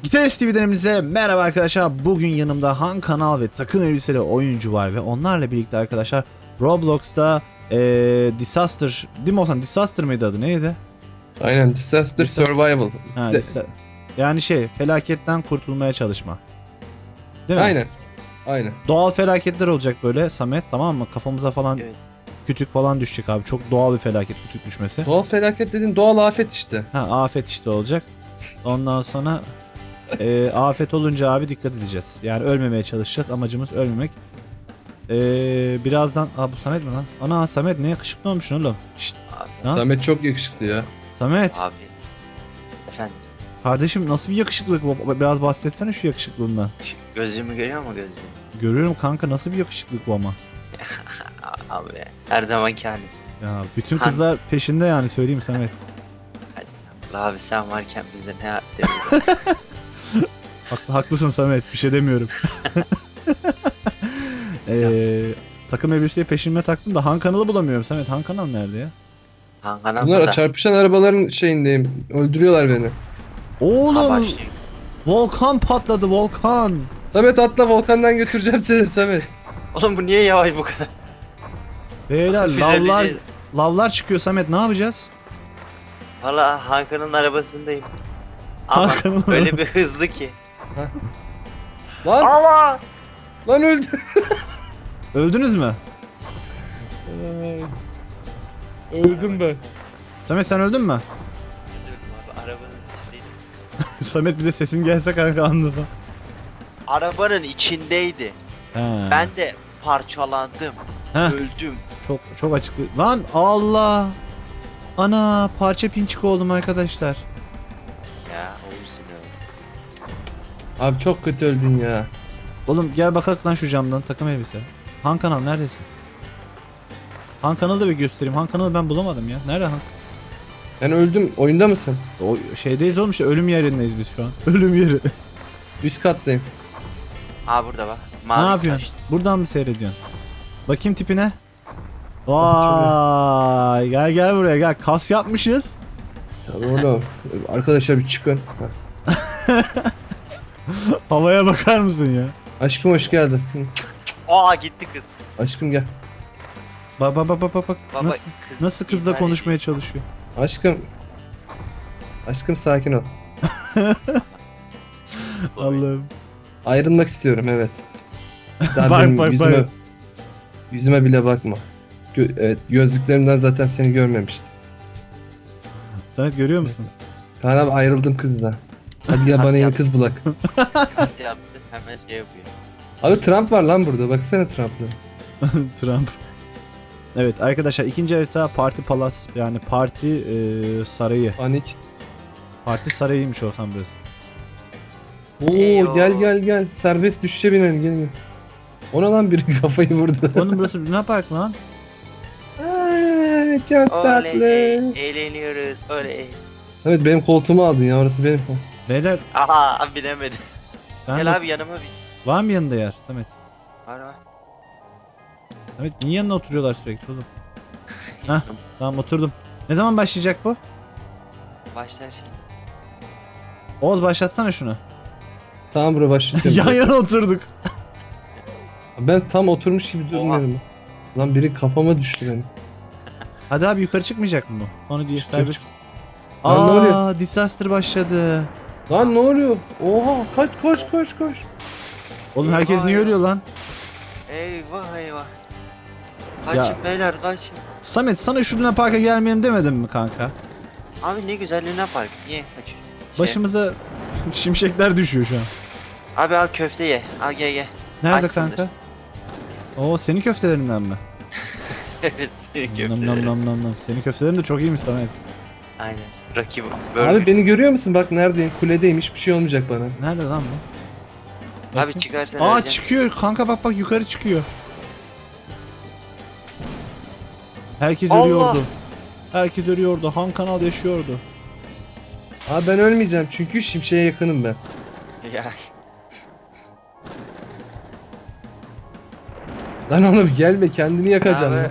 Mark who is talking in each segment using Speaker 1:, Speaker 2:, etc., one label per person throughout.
Speaker 1: Gitarist TV dönemimize merhaba arkadaşlar. Bugün yanımda Han Kanal ve takım elbiseli oyuncu var ve onlarla birlikte arkadaşlar Roblox'ta Disaster, değil mi Ozan? Disaster mıydı adı? Neydi?
Speaker 2: Aynen, Disaster Survival.
Speaker 1: Ha, yani felaketten kurtulmaya çalışma. Değil mi?
Speaker 2: Aynen.
Speaker 1: Doğal felaketler olacak böyle Samet, tamam mı? Kafamıza falan kütük falan düşecek abi. Çok doğal bir felaket, kütük düşmesi.
Speaker 2: Doğal felaket dediğin doğal afet işte.
Speaker 1: Ha, afet işte olacak. Ondan sonra afet olunca abi dikkat edeceğiz. Yani ölmemeye çalışacağız. Amacımız ölmemek. Birazdan... bu Samet mi lan? Ana Samet ne yakışıklı olmuşsun oğlum. Şşt. Ha?
Speaker 2: Samet çok yakışıklı ya.
Speaker 1: Samet.
Speaker 3: Abi. Efendim.
Speaker 1: Kardeşim nasıl bir yakışıklılık bu? Biraz bahsetsene şu yakışıklığından.
Speaker 3: Gözlüğümü görüyor mu gözlüğümü?
Speaker 1: Görüyorum kanka, nasıl bir yakışıklılık bu ama.
Speaker 3: Abi her zamanki halim.
Speaker 1: Ya bütün kızlar peşinde yani, söyleyeyim Samet.
Speaker 3: Abi sen varken bizde ne yaptığımız.
Speaker 1: Haklısın Samet, bir şey demiyorum. Takım elbiseyi peşime taktım da Han Kanal'ı bulamıyorum Samet. Han Kanal nerede ya?
Speaker 2: Bunlar çarpışan arabaların şeyindeyim. Öldürüyorlar beni.
Speaker 1: Oğlum volkan patladı, volkan.
Speaker 2: Samet atla, volkandan götüreceğim seni Samet.
Speaker 3: Oğlum bu niye yavaş bu kadar?
Speaker 1: Beyler lavlar çıkıyor Samet, ne yapacağız?
Speaker 3: Valla Hakan'ın arabasındayım. Ama öyle bir hızlı ki.
Speaker 2: Lan
Speaker 3: Allah!
Speaker 2: lan öldü.
Speaker 1: Öldünüz mü?
Speaker 2: Öldüm ben.
Speaker 1: Samet sen öldün mü?
Speaker 3: Abi arabanın içindeydim.
Speaker 1: Samet bir de sesin gelse kanka anlasam.
Speaker 3: Arabanın içindeydi.
Speaker 1: He.
Speaker 3: Ben de parçalandım.
Speaker 1: Heh.
Speaker 3: Öldüm.
Speaker 1: Çok açıklı. Lan Allah. Ana parça pinçik oldum arkadaşlar.
Speaker 3: Ya olursun öyle.
Speaker 2: Abi çok kötü öldün ya.
Speaker 1: Oğlum gel bakalım lan şu camdan, takım elbise. Han Kanal neredesin? Han Kanal'ı da bir göstereyim. Han Kanal'ı ben bulamadım ya. Nerede Han?
Speaker 2: Ben öldüm. Oyunda mısın?
Speaker 1: O şeydeyiz oğlum, işte ölüm yerindeyiz biz şu an. Ölüm yeri.
Speaker 2: Üst kattayım.
Speaker 3: Aa burada bak.
Speaker 1: Ne
Speaker 3: Mavi
Speaker 1: yapıyorsun?
Speaker 3: taş.
Speaker 1: Buradan mı seyrediyorsun? Bakayım tipine. Vay gel buraya gel. Kas yapmışız.
Speaker 2: Tamam oğlum. Arkadaşlar bir çıkın.
Speaker 1: Havaya bakar mısın ya?
Speaker 2: Aşkım hoş geldin.
Speaker 3: Aa gitti kız.
Speaker 2: Aşkım gel.
Speaker 1: Bak.
Speaker 3: Baba,
Speaker 1: Nasıl kızla
Speaker 3: intihar
Speaker 1: konuşmaya çalışıyor?
Speaker 2: Aşkım. Aşkım sakin ol.
Speaker 3: ediyor.
Speaker 1: Allah'ım.
Speaker 2: Ayrılmak istiyorum, evet. Daha
Speaker 1: Bak,
Speaker 2: benim
Speaker 1: bak.
Speaker 2: yüzüme bile bakma. Evet, gözlüklerimden zaten seni görmemiştim.
Speaker 1: Samet görüyor musun?
Speaker 2: Kaan abi, ayrıldım kızla. Hadi gel bana yeni kız bulak.
Speaker 3: Kas yaptı hemen şey yapıyor.
Speaker 2: Abi Trump var lan burada, baksana Trump'la.
Speaker 1: Trump. Evet arkadaşlar, ikinci harita Parti Palace, yani parti sarayı.
Speaker 2: Panik.
Speaker 1: Parti sarayıymış olsam burası.
Speaker 2: Oo
Speaker 3: Eyvah.
Speaker 2: gel. Serbest düşüşe binelim, gelin. Ona lan biri kafayı vurdu.
Speaker 1: Oğlum burası Luna Park lan.
Speaker 2: Aa, çok tatlı.
Speaker 3: Oley, eğleniyoruz. Oley.
Speaker 2: Evet, benim koltuğumu aldın ya, orası benim.
Speaker 1: Beyler
Speaker 3: Aha bilemedim.
Speaker 1: ben
Speaker 3: Gel abi yanıma bin.
Speaker 1: var mı yanında yer Samet?
Speaker 3: Var.
Speaker 1: Samet niye yanına oturuyorlar sürekli oğlum? Heh, tamam oturdum. Ne zaman başlayacak bu?
Speaker 3: Başlar şimdi.
Speaker 1: Oğuz başlatsana şunu.
Speaker 2: Tamam bro, başlayalım.
Speaker 1: Yan yana oturduk.
Speaker 2: Ben tam oturmuş gibi durdum
Speaker 3: Oha.
Speaker 2: dedim. Lan biri kafama düştü benim.
Speaker 1: Hadi abi, yukarı çıkmayacak mı bu? Sonra diye
Speaker 2: Çık.
Speaker 1: serbest.
Speaker 2: Lan ne oluyor?
Speaker 1: Disaster başladı.
Speaker 2: Lan ne oluyor? Oha, kaç koş.
Speaker 1: Oğlum herkes
Speaker 3: Eyvah,
Speaker 1: niye
Speaker 3: eyvah.
Speaker 1: ölüyor lan?
Speaker 3: Eyvah. Kaçın
Speaker 1: Ya.
Speaker 3: beyler kaçın.
Speaker 1: Samet sana şu Luna Park'a gelmeyelim demedim mi kanka?
Speaker 3: Abi ne güzel Luna Park. Niye kaçıyorsun?
Speaker 1: Başımıza şimşekler düşüyor şu an.
Speaker 3: Abi al köfte ye. Al gel.
Speaker 1: Nerede
Speaker 3: Açsındır.
Speaker 1: kanka? Oo, senin köftelerinden mi?
Speaker 3: Evet.
Speaker 1: Nam nam nam nam nam. Senin köftelerin de çok iyiymiş Samet.
Speaker 3: Aynen. Rakibim.
Speaker 2: Abi beni görüyor musun? Bak neredeyim? Kuledeyim. Hiçbir şey olmayacak bana.
Speaker 1: Nerede lan bu?
Speaker 3: Abi
Speaker 1: Bakayım.
Speaker 3: çıkarsan
Speaker 1: Aa
Speaker 3: öleceğim.
Speaker 1: çıkıyor kanka, bak yukarı çıkıyor. Herkes
Speaker 3: Allah!
Speaker 1: ölüyordu. Herkes ölüyordu. Han Kanal yaşıyordu.
Speaker 2: Abi ben ölmeyeceğim çünkü şimşeğe yakınım ben.
Speaker 3: Ya.
Speaker 2: Lan oğlum gelme, kendini yakacaksın.
Speaker 3: Abi.
Speaker 2: lan.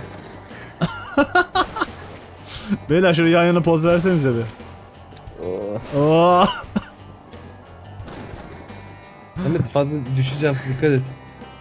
Speaker 1: Beyler şöyle yan yana poz versenize bir.
Speaker 2: Oo.
Speaker 1: Oo.
Speaker 2: Samet fazla düşeceğim, dikkat et.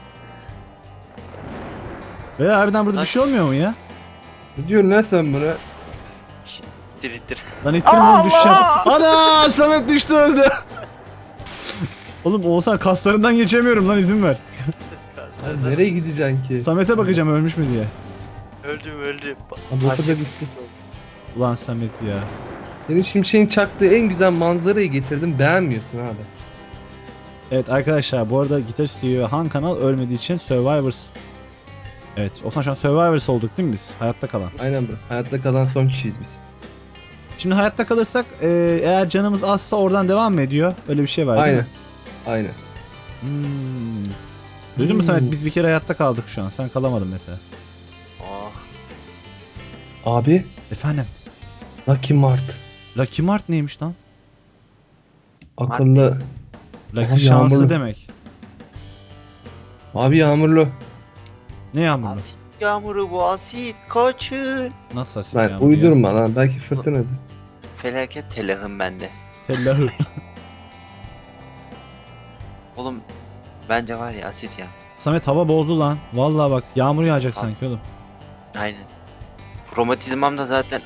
Speaker 1: Ve harbiden burada bir şey olmuyor mu ya?
Speaker 2: Ne diyorsun lan sen buna?
Speaker 3: İttir ittir.
Speaker 1: Lan ittirme oğlum düşeceğim. Ana Samet düştü öldü. Oğlum Oğuzhan kaslarından geçemiyorum lan izin ver.
Speaker 2: Abi nereye gideceksin ki?
Speaker 1: Samet'e bakacağım ölmüş mü diye.
Speaker 3: Öldüm.
Speaker 2: Abi o kadar gitsin.
Speaker 1: Ulan Samet ya.
Speaker 2: Senin şimşeğin çaktığı en güzel manzarayı getirdim, beğenmiyorsun abi.
Speaker 1: Evet arkadaşlar bu arada Gitarist TV ve Han Kanal ölmediği için Survivors. Evet Oğuzhan şu an Survivors olduk değil mi biz? Hayatta kalan.
Speaker 2: Aynen bro. Hayatta kalan son kişiyiz biz.
Speaker 1: Şimdi hayatta kalırsak eğer canımız azsa oradan devam mı ediyor? Öyle bir şey var değil
Speaker 2: Aynen.
Speaker 1: mi?
Speaker 2: Aynen.
Speaker 1: Hmm. Duydun mu Samet biz bir kere hayatta kaldık şu an. Sen kalamadın mesela.
Speaker 3: Oh.
Speaker 2: Abi,
Speaker 1: Efendim?
Speaker 2: Lucky Mart.
Speaker 1: Lucky Mart neymiş lan?
Speaker 2: Akıllı.
Speaker 1: Lucky
Speaker 2: Aha,
Speaker 1: şanslı
Speaker 2: yağmurlu.
Speaker 1: demek.
Speaker 2: Abi yağmurlu.
Speaker 1: Ne yağmurlu?
Speaker 3: Asit yağmuru bu asit. Kaçın.
Speaker 1: Nasıl asit
Speaker 2: Lan
Speaker 1: yağmuru ya?
Speaker 2: uydurma lan, belki fırtınadır.
Speaker 3: Felaket telahım bende.
Speaker 1: Tellahı.
Speaker 3: Oğlum bence var ya asit ya.
Speaker 1: Samet hava bozdu lan. Vallahi bak yağmur yağacak sanki oğlum.
Speaker 3: Aynen. Romatizmam da zaten.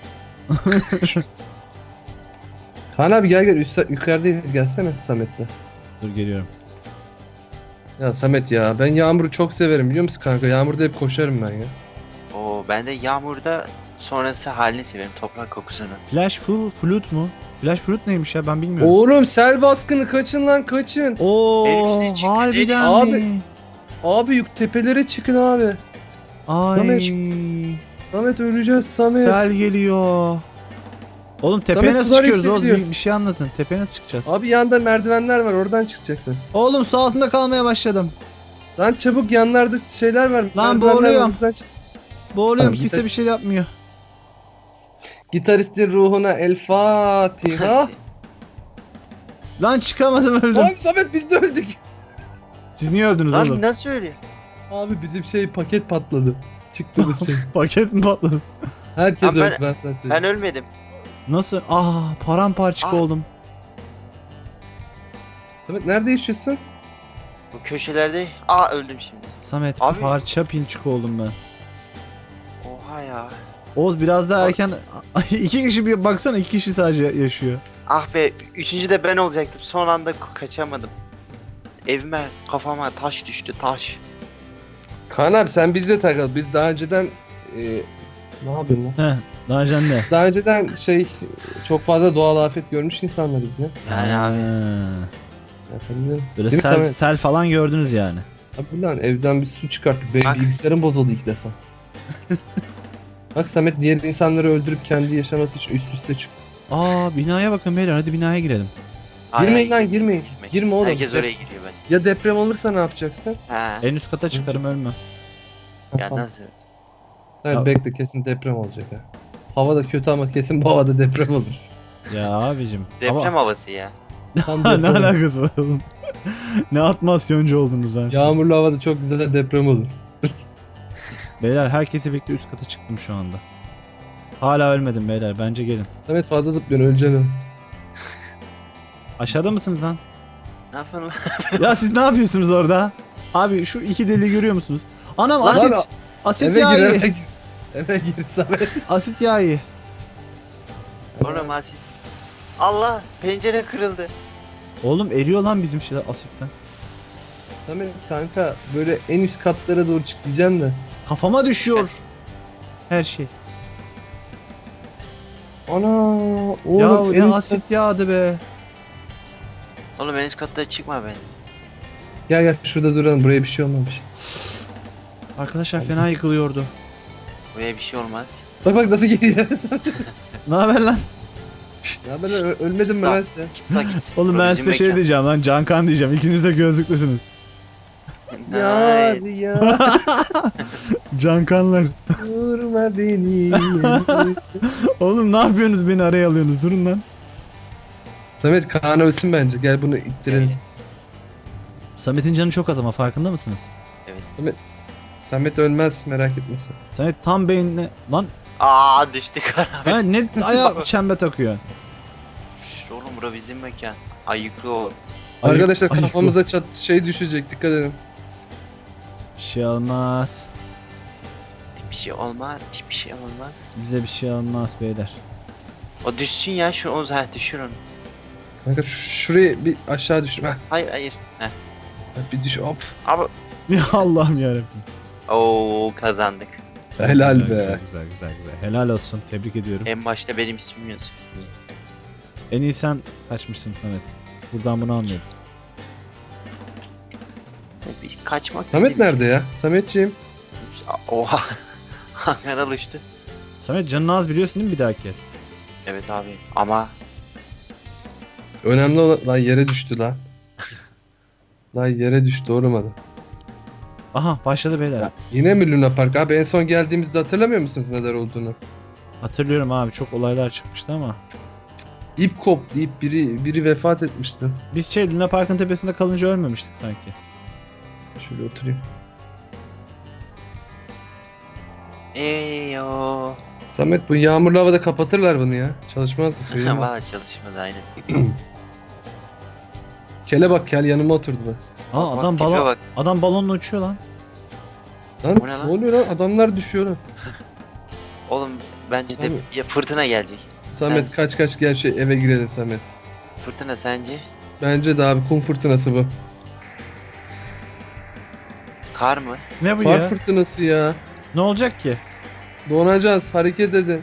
Speaker 2: Kaan abi gel yukarıdayız, gelsene Samet'le.
Speaker 1: Dur geliyorum.
Speaker 2: Ya Samet ya, ben yağmuru çok severim biliyor musun kanka? Yağmurda hep koşarım ben ya.
Speaker 3: Oo ben de yağmurda sonrası halini severim. Toprak kokusunu.
Speaker 1: Flash flute mu? Flash flute neymiş ya ben bilmiyorum.
Speaker 2: Oğlum sel baskını, kaçın lan kaçın.
Speaker 1: Oo
Speaker 3: Hepsi çıktı,
Speaker 1: harbiden
Speaker 2: Abi.
Speaker 1: mi?
Speaker 2: Abi yük tepelere çıkın abi.
Speaker 1: Ay.
Speaker 2: Samet. Samet öleceğiz Samet.
Speaker 1: Sel geliyor. Oğlum tepeye
Speaker 2: Samet,
Speaker 1: nasıl
Speaker 2: sular
Speaker 1: çıkıyoruz Oğuz?
Speaker 2: yükseliyor.
Speaker 1: Bir şey anlatın. Tepeye nasıl çıkacağız?
Speaker 2: Abi yanda merdivenler var, oradan çıkacaksın.
Speaker 1: Oğlum su altında kalmaya başladım.
Speaker 2: Lan çabuk, yanlarda şeyler var.
Speaker 1: Lan
Speaker 2: merdivenler var,
Speaker 1: boğuluyorum.
Speaker 2: oradan çık.
Speaker 1: Boğuluyorum
Speaker 2: Abi,
Speaker 1: kimse bir şey yapmıyor.
Speaker 2: Gitaristin ruhuna El Fatiha.
Speaker 1: Lan çıkamadım öldüm.
Speaker 2: Lan Samet biz de öldük.
Speaker 1: Siz niye öldünüz
Speaker 3: Lan
Speaker 1: oğlum?
Speaker 3: nasıl öyle?
Speaker 2: Abi bizim paket patladı. Çıktığımız şey.
Speaker 1: Paket mi patladı?
Speaker 2: Herkes
Speaker 3: Lan
Speaker 2: öldü, ben sana söyleyeyim.
Speaker 3: Ben ölmedim.
Speaker 1: Nasıl? Paramparçık
Speaker 3: Ah.
Speaker 1: oldum.
Speaker 2: Samet nerede yaşıyorsun?
Speaker 3: Bu köşelerde öldüm şimdi.
Speaker 1: Samet
Speaker 3: Abi.
Speaker 1: parça pinçik oldum ben.
Speaker 3: Oha ya.
Speaker 1: Oğuz biraz daha erken... iki kişi bir baksana iki kişi sadece yaşıyor.
Speaker 3: Ah be, üçüncü de ben olacaktım. Son anda kaçamadım. Evime, kafama taş düştü, taş.
Speaker 2: Kaan abi sen bizle takıl. Biz daha önceden ne yapıyorsun lan?
Speaker 1: Heh, daha önce ne?
Speaker 2: Daha önceden çok fazla doğal afet görmüş insanlarız ya.
Speaker 3: Yani abi.
Speaker 2: Efendim.
Speaker 1: Böyle
Speaker 2: Değil mi
Speaker 1: sel,
Speaker 2: Samet?
Speaker 1: sel falan gördünüz yani.
Speaker 2: Abi lan evden bir su çıkarttık. Benim
Speaker 3: Bak.
Speaker 2: bilgisayarım bozuldu ilk defa. Bak Samet diğer insanları öldürüp kendi yaşaması için üst üste çık.
Speaker 1: Binaya bakın beyler hadi binaya girelim.
Speaker 2: Girmeyin lan, girmeyin. Girme oğlum.
Speaker 3: Herkes oraya giriyor ben.
Speaker 2: Ya deprem olursa ne yapacaksın?
Speaker 3: Ha.
Speaker 1: En üst kata çıkarım ölme.
Speaker 3: Ya nasıl?
Speaker 2: Hayır,
Speaker 1: Ya-
Speaker 2: bekle, kesin deprem olacak ha. Hava da kötü ama kesin bu havada deprem olur.
Speaker 1: Ya abicim.
Speaker 3: Deprem havası ya.
Speaker 2: Tam
Speaker 1: Ama... ne
Speaker 2: deprem olur.
Speaker 1: alakası var oğlum? Ne atmasyoncu oldunuz ben.
Speaker 2: Yağmurlu havada çok güzel deprem olur.
Speaker 1: Beyler herkesi birlikte üst kata çıktım şu anda. Hala ölmedim beyler bence gelin.
Speaker 2: Samet fazla zıplıyorsun, öleceksin.
Speaker 1: Aşağıda mısınız lan?
Speaker 3: Ne yapıyorsun lan?
Speaker 1: Ya siz ne yapıyorsunuz orada? Abi şu iki deliği görüyor musunuz? Anam
Speaker 2: Lan
Speaker 1: asit.
Speaker 2: abi,
Speaker 1: Asit
Speaker 2: Eve
Speaker 1: yağı
Speaker 2: gir,
Speaker 1: iyi.
Speaker 2: eve gir. Eve gir Samet.
Speaker 1: Asit yağı iyi.
Speaker 3: Oğlum asit. Allah, pencere kırıldı.
Speaker 1: Oğlum eriyor lan bizim şeyler asitten.
Speaker 2: Samet kanka böyle en üst katlara doğru çık diyeceğim de.
Speaker 1: Kafama düşüyor. Her şey.
Speaker 2: Ana oğlum
Speaker 1: Ya
Speaker 2: en
Speaker 1: ne
Speaker 2: üst
Speaker 1: asit yağdı be.
Speaker 3: Oğlum en üst katta çıkma ben.
Speaker 2: Gel gel şurada duralım, buraya bir şey olmamış.
Speaker 1: Arkadaşlar fena yıkılıyordu.
Speaker 3: Buraya bir şey olmaz.
Speaker 2: Bak bak nasıl geliyor.
Speaker 1: Ne haber lan?
Speaker 2: Ya ben ölmedim ben
Speaker 3: Tamam.
Speaker 2: size.
Speaker 3: Git lan git.
Speaker 1: Oğlum ben size şey diyeceğim lan Cankan diyeceğim. İkiniz de gözlüklüsünüz.
Speaker 2: Yar ya
Speaker 1: Cankanlar.
Speaker 2: vurma beni.
Speaker 1: Oğlum ne yapıyorsunuz beni araya alıyorsunuz durun lan.
Speaker 2: Samet Kaan ölsün bence, gel bunu ittirelim.
Speaker 1: Samet'in canı çok az ama farkında mısınız?
Speaker 2: Samet ölmez, merak etme sen.
Speaker 1: Samet tam beynine... Lan
Speaker 3: Düştük abi.
Speaker 1: Samet ne ayağa çembe takıyor.
Speaker 3: Şşş, oğlum bura bizim mekan. Ayıklı ol.
Speaker 2: Arkadaşlar
Speaker 1: ayık
Speaker 2: kafamıza şey düşecek, dikkat edin.
Speaker 1: Bir şey olmaz.
Speaker 3: Bir şey olmaz. Hiçbir şey olmaz.
Speaker 1: Bize bir şey olmaz beyler.
Speaker 3: O düşsün ya şu o zaten düşür onu.
Speaker 2: Kanka şurayı bir aşağı düşür. Heh,
Speaker 3: Hayır hayır. Heh.
Speaker 2: bir düş hop.
Speaker 3: Abi.
Speaker 1: Ya Allah'ım yarabbim.
Speaker 3: Oo kazandık.
Speaker 2: Helal
Speaker 1: Güzel,
Speaker 2: be.
Speaker 1: güzel. Helal olsun. Tebrik ediyorum.
Speaker 3: En başta benim ismim yazıyor.
Speaker 1: En iyi sen kaçmışsın Samet. Buradan bunu anlıyorum.
Speaker 3: Bir kaçmak.
Speaker 2: Samet
Speaker 3: dedim.
Speaker 2: nerede ya? Sametciğim.
Speaker 3: Oha. Hangar uçtu.
Speaker 1: Samet canın az biliyorsun değil mi bir dahaki?
Speaker 3: Evet abi ama
Speaker 2: Önemli olan... Lan yere düştü lan. Lan yere düştü, doğramadı.
Speaker 1: Aha başladı beyler.
Speaker 2: Ya, yine mi Luna Park? Abi en son geldiğimizde hatırlamıyor musunuz neler olduğunu?
Speaker 1: Hatırlıyorum abi çok olaylar çıkmıştı ama.
Speaker 2: İp koptu, ip biri vefat etmişti.
Speaker 1: Biz Luna Park'ın tepesinde kalınca ölmemiştik sanki.
Speaker 2: Şöyle oturayım.
Speaker 3: Eyo.
Speaker 2: Samet, bu yağmurlu havada kapatırlar bunu ya. Çalışmaz mı? Sayılmaz.
Speaker 3: Valla çalışmadı aynen.
Speaker 2: Kele bak, kel yanıma oturdu be.
Speaker 1: Aa
Speaker 3: Bak, tipe bak.
Speaker 1: adam balonla uçuyor lan.
Speaker 2: Lan
Speaker 3: Bu ne
Speaker 2: ne
Speaker 3: lan?
Speaker 2: oluyor lan? Adamlar düşüyor lan.
Speaker 3: Oğlum bence de
Speaker 2: Tabii.
Speaker 3: ya fırtına gelecek.
Speaker 2: Samet kaç gel eve girelim Samet.
Speaker 3: Fırtına sence?
Speaker 2: Bence de abi kum fırtınası bu.
Speaker 3: Kar mı?
Speaker 1: Ne bu
Speaker 2: Kar
Speaker 1: ya?
Speaker 2: fırtınası ya.
Speaker 1: Ne olacak ki?
Speaker 2: Donacağız, hareket edin.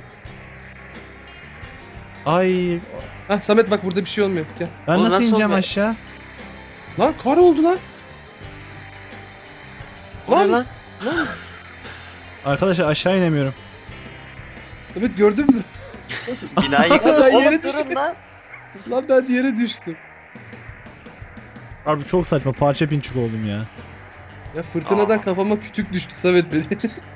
Speaker 1: Ay
Speaker 2: Hah Samet bak, burada bir şey olmuyor. Gel.
Speaker 1: ben
Speaker 3: Oğlum
Speaker 1: nasıl
Speaker 3: nasıl
Speaker 1: ineceğim
Speaker 3: oldu?
Speaker 1: aşağı?
Speaker 2: Lan kar oldu lan.
Speaker 3: O ne
Speaker 2: Lan.
Speaker 3: lan?
Speaker 1: Arkadaşlar aşağı inemiyorum.
Speaker 2: Samet gördün mü?
Speaker 3: Binayı yıkıldı.
Speaker 2: Ben yere
Speaker 3: Oğlum durun
Speaker 2: düştüm.
Speaker 3: lan.
Speaker 2: Lan ben yere düştüm.
Speaker 1: Abi çok saçma parça pinçik oldum ya.
Speaker 2: Ya fırtınadan
Speaker 3: Aa.
Speaker 2: kafama kütük düştü Samet beni.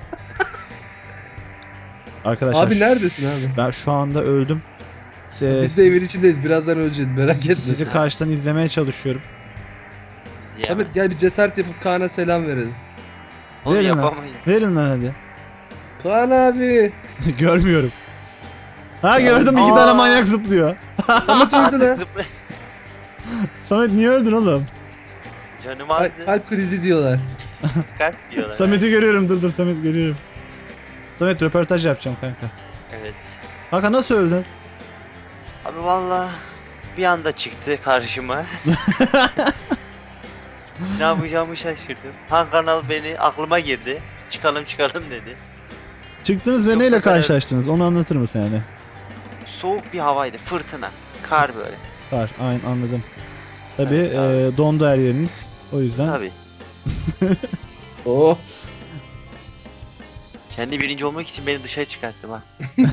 Speaker 1: Arkadaşlar
Speaker 2: Abi neredesin abi?
Speaker 1: ben şu anda öldüm.
Speaker 2: Biz de evin içindeyiz. Birazdan öleceğiz. Merak etme.
Speaker 1: Sizi karşıdan izlemeye çalışıyorum.
Speaker 3: Ya,
Speaker 2: Samet gel bir cesaret yapıp Kaan'a selam verelim.
Speaker 3: onu
Speaker 1: verin lan.
Speaker 3: yapamayız.
Speaker 1: Verin lan hadi.
Speaker 2: Kaan abi.
Speaker 1: Görmüyorum. Ha gördüm iki
Speaker 3: Aa.
Speaker 1: tane manyak zıplıyor.
Speaker 2: Samet öldü lan.
Speaker 3: Zıpla-
Speaker 1: Samet niye öldün oğlum?
Speaker 3: Canım azdı.
Speaker 2: Kalp krizi diyorlar.
Speaker 3: Kalp diyorlar.
Speaker 1: Samet'i görüyorum dur Samet görüyorum. Samet röportaj yapacağım kanka.
Speaker 3: Evet.
Speaker 1: Kanka nasıl öldün?
Speaker 3: Abi valla bir anda çıktı karşıma. Ne yapacağımı şaşırdım. Han kanal beni aklıma girdi. Çıkalım dedi.
Speaker 1: Çıktınız ve
Speaker 3: Çok
Speaker 1: neyle
Speaker 3: da kadar-
Speaker 1: karşılaştınız onu anlatır mısın yani?
Speaker 3: Soğuk bir havaydı. Fırtına. Kar böyle.
Speaker 1: Var aynen anladım. Tabi
Speaker 3: Evet, abi.
Speaker 1: dondu her yeriniz. O yüzden
Speaker 3: Tabii.
Speaker 2: Oh.
Speaker 3: Kendi birinci olmak için beni dışarı çıkarttı bak.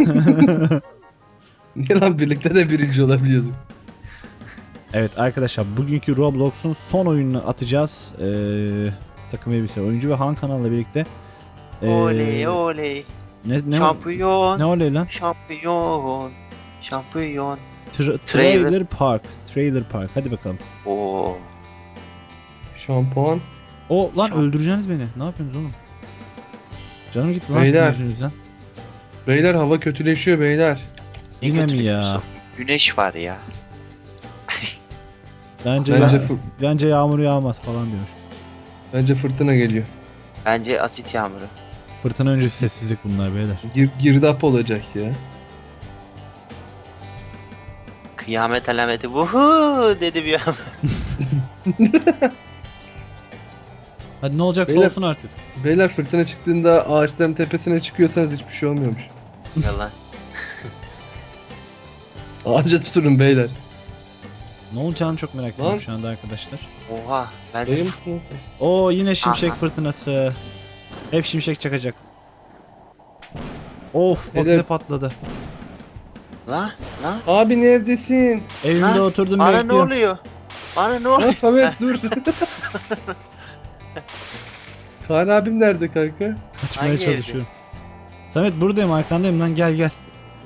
Speaker 2: Ne lan, birlikte de birinci olabiliyorduk.
Speaker 1: evet arkadaşlar bugünkü Roblox'un son oyununu atacağız. Takım elbise oyuncu ve Han kanalla birlikte.
Speaker 3: Oley oley.
Speaker 1: Ne
Speaker 3: Şampiyon.
Speaker 1: ne oley lan?
Speaker 3: Şampiyon. Şampiyon.
Speaker 1: Trailer Park. Trailer Park. Hadi bakalım.
Speaker 3: Oo.
Speaker 2: Şampuan.
Speaker 1: O lan
Speaker 3: Şamp-
Speaker 1: öldüreceksiniz beni. Ne yapıyorsunuz oğlum? Canım gitti lan
Speaker 2: Beyler.
Speaker 1: sizin yüzünüzden.
Speaker 2: Beyler hava kötüleşiyor beyler.
Speaker 3: Ne
Speaker 1: Yine mi
Speaker 3: kötü
Speaker 1: ya?
Speaker 3: biliyorsun. Güneş var ya.
Speaker 1: Bence yağmur yağmaz falan diyor.
Speaker 2: Bence fırtına geliyor.
Speaker 3: Bence asit yağmuru.
Speaker 1: Fırtına öncesi sessizlik bunlar beyler.
Speaker 2: Girdap olacak ya.
Speaker 3: Kıyamet alameti vuhu dedi bir an.
Speaker 1: Hadi ne olacaksa
Speaker 2: Beyler-
Speaker 1: olsun artık.
Speaker 2: Beyler fırtına çıktığında ağaçların tepesine çıkıyorsanız hiçbir şey olmuyormuş.
Speaker 3: Yalan.
Speaker 2: Ağaca tutunun beyler.
Speaker 1: Ne olacağını çok merak ediyorum
Speaker 2: Lan.
Speaker 1: şu anda arkadaşlar.
Speaker 3: Oha. Ben
Speaker 2: Dayı mısın?
Speaker 1: Oo yine şimşek
Speaker 3: Aha.
Speaker 1: fırtınası. Hep şimşek çakacak. Of bak
Speaker 2: Beyler-
Speaker 1: ne patladı.
Speaker 3: Lan lan.
Speaker 2: Abi neredesin?
Speaker 1: Evimde
Speaker 3: Lan,
Speaker 1: oturdum
Speaker 3: Bana ne
Speaker 1: bekliyorum.
Speaker 3: oluyor? Bana ne
Speaker 2: Lan
Speaker 3: oluyor?
Speaker 2: Samet dur. Kaan abim nerede kanka?
Speaker 1: Kaçmaya
Speaker 3: Hangi evde?
Speaker 1: çalışıyorum. Samet buradayım arkandayım lan gel gel.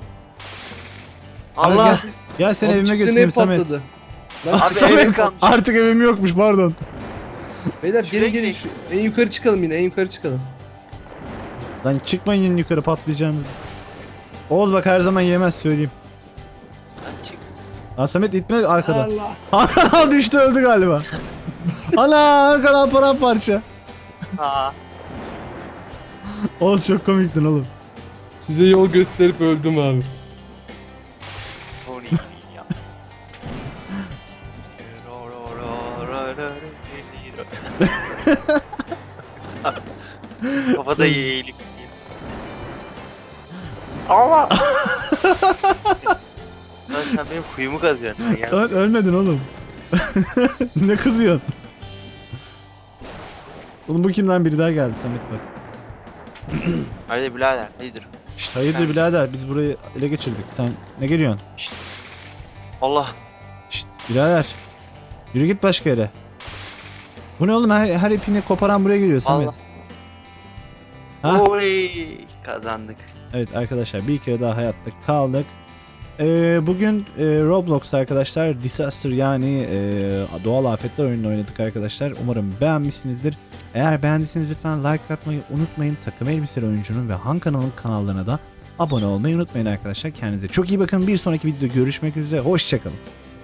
Speaker 3: Allah.
Speaker 1: Gel seni
Speaker 2: Abi
Speaker 1: evime
Speaker 2: çıktı,
Speaker 1: götüreyim
Speaker 2: ne
Speaker 1: Samet.
Speaker 2: patladı? Lan
Speaker 3: Abi
Speaker 1: Samet,
Speaker 3: evim kalmış.
Speaker 1: artık evim yokmuş pardon.
Speaker 2: beyler
Speaker 3: Şuraya
Speaker 2: gelin
Speaker 3: gidelim.
Speaker 2: en yukarı çıkalım yine, en yukarı çıkalım.
Speaker 1: Lan çıkmayın yine yukarı patlayacağınız. Oğuz bak her zaman yemez söyleyeyim.
Speaker 3: Lan çık.
Speaker 1: Lan Samet itme arkadan.
Speaker 2: Allah.
Speaker 1: Hakan düştü öldü galiba. Ana Hakan paramparça.
Speaker 3: Aa.
Speaker 1: Oğuz çok komiktin oğlum.
Speaker 2: Size yol gösterip öldüm abi.
Speaker 3: Son iyi ya. Kafada eğilip. Allah. Lan sen benim kuyumu kazıyorsun ya.
Speaker 1: Samet ölmedin oğlum. Ne kızıyorsun? Oğlum bu kimden biri daha geldi Samet bak.
Speaker 3: Hadi birader hayırdır.
Speaker 1: Şşt hayırdır
Speaker 3: Sen-
Speaker 1: birader biz burayı ele geçirdik. Sen ne geliyorsun?
Speaker 3: Allah.
Speaker 1: Şşt birader. Yürü git başka yere. Bu ne oğlum her ipini koparan buraya geliyor Samet.
Speaker 3: Allah.
Speaker 1: Ha?
Speaker 3: Oy kazandık.
Speaker 1: Evet arkadaşlar bir kere daha hayatta kaldık. Bugün Roblox'ta arkadaşlar Disaster yani doğal afetler oyununu oynadık arkadaşlar. Umarım beğenmişsinizdir. Eğer beğendiyseniz lütfen like atmayı unutmayın. Takım Elbiseli Oyuncu'nun ve Han kanalının kanallarına da abone olmayı unutmayın arkadaşlar. Kendinize çok iyi bakın. Bir sonraki videoda görüşmek üzere. Hoşçakalın.